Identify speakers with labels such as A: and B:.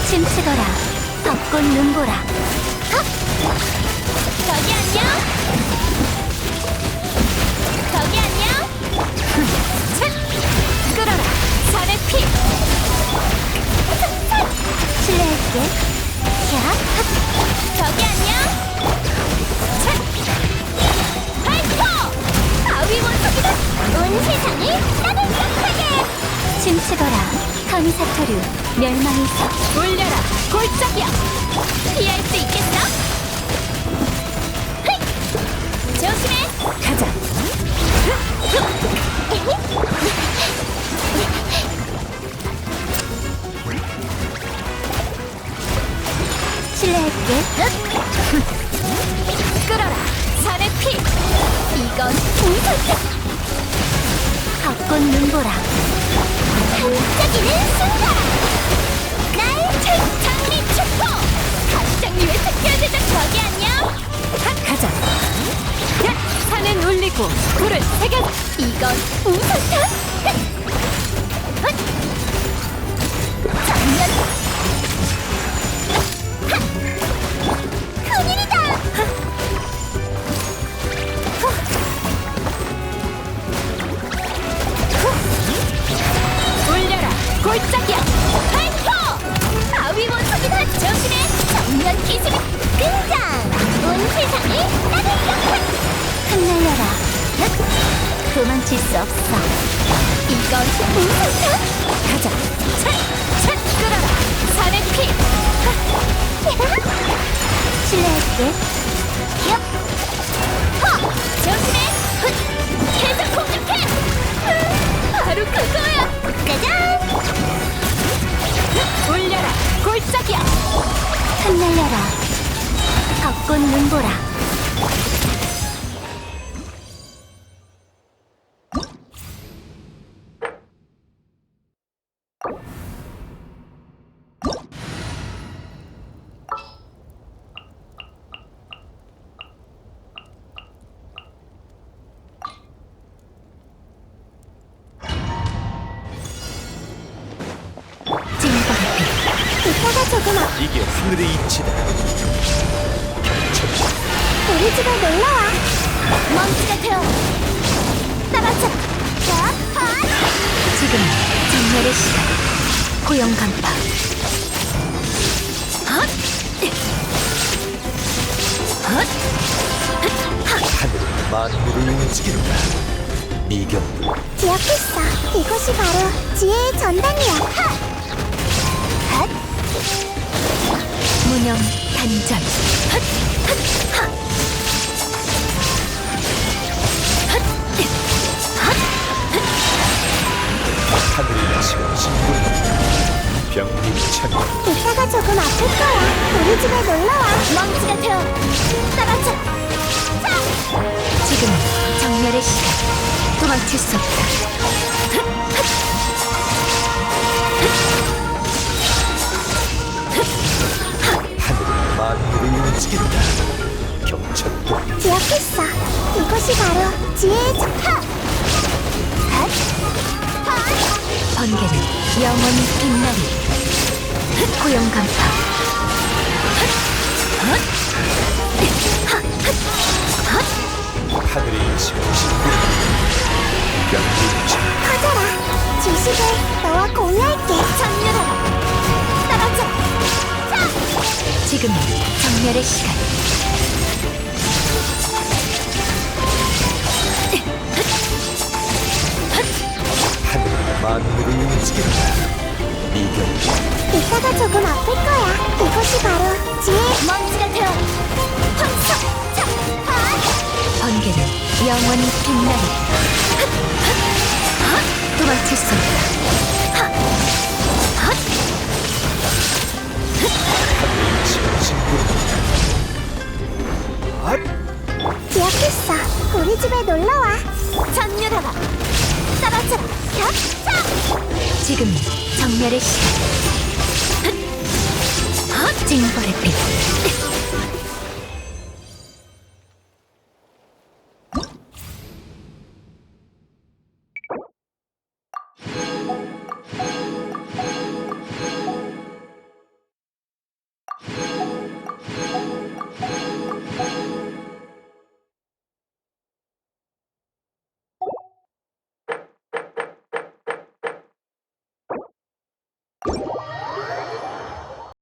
A: 춤추거라 벚꽃 눈보라. 헉! 저기 안녕. 저기 안녕. 차! 끌어라 산의 피. 실례할게. 야! 저기 안녕. 차! 발포! 바위 원석이다. 온 세상이 따뜻하게. 춤추거라 카미사토류 멸망의 석. 올려라 골짜기야. 피할 수 있겠어? 헤이! 조심해. 가자. 실례할게. 끌어라 산의 피. 이건 공설자. 벚꽃 눈보라. 반짝이는 순간. 날 장미 축포. 가시장미의 특별대장. 저기 안녕. 가자. 야, 산은 울리고 불을 새겨. 이건 우선탄. 장면. 큰일이다. 올려라 골짜기야. 발포! 바위 원석이다. 조심해. 정면 기술이 등장. 온 세상이 따뜻하게. 흩날려라. 도망칠 수 없어. 이건 우선탄. 가자. 차! 끌어라 산의 피. 실례할게. 얍! 허! 조심해! 계속 공격해! 바로 그거야! 짜잔! 올려라 골짜기야. 흩날려라 벚꽃 눈보라. 이따가 조금 앞.
B: 이게 하늘의 이치다.
A: 우리 집에 놀러와. 먼지가 되어 떨어져. 지금 정멸의 시간. 고용 간파.
B: 하늘은 만물을 움직인다. 미경도
A: 기억했어. 이것이 바로 지혜의 전당이야. 무념 단전.
B: 하늘의 이치가 진군한다. 병림이 찬다.
A: 이따가 조금 아플 거야. 우리 집에 놀러와. 먼지가 되어 떨어져. 지금 정멸의 시간. 도망칠 수 없다.
B: 하늘은 만물을 움직인다. 경천도
A: 기억했어. 이것이 바로 지혜의 번개는 영원히 빛나리. 고용 간파.
B: 하늘의 이치가 진군한다. 병림이 찬다.
A: 커져라. 지식을 너와 공유할게. 전율하라. 떨어져. 지금은 정멸의 시간.
B: 하늘은 만물을 움직인다. 미경도
A: 이따가 조금 아플 거야. 이것이 바로 지혜의 먼지가 되어 황석. 번개는 영원히 빛나리. 도망칠 수 없다.
B: 하늘의 이치가 진군한다.
A: 기억했어. 우리 집에 놀러와. 전율하라. 떨어져라. 지금 정멸의 시간. 징벌의 빛.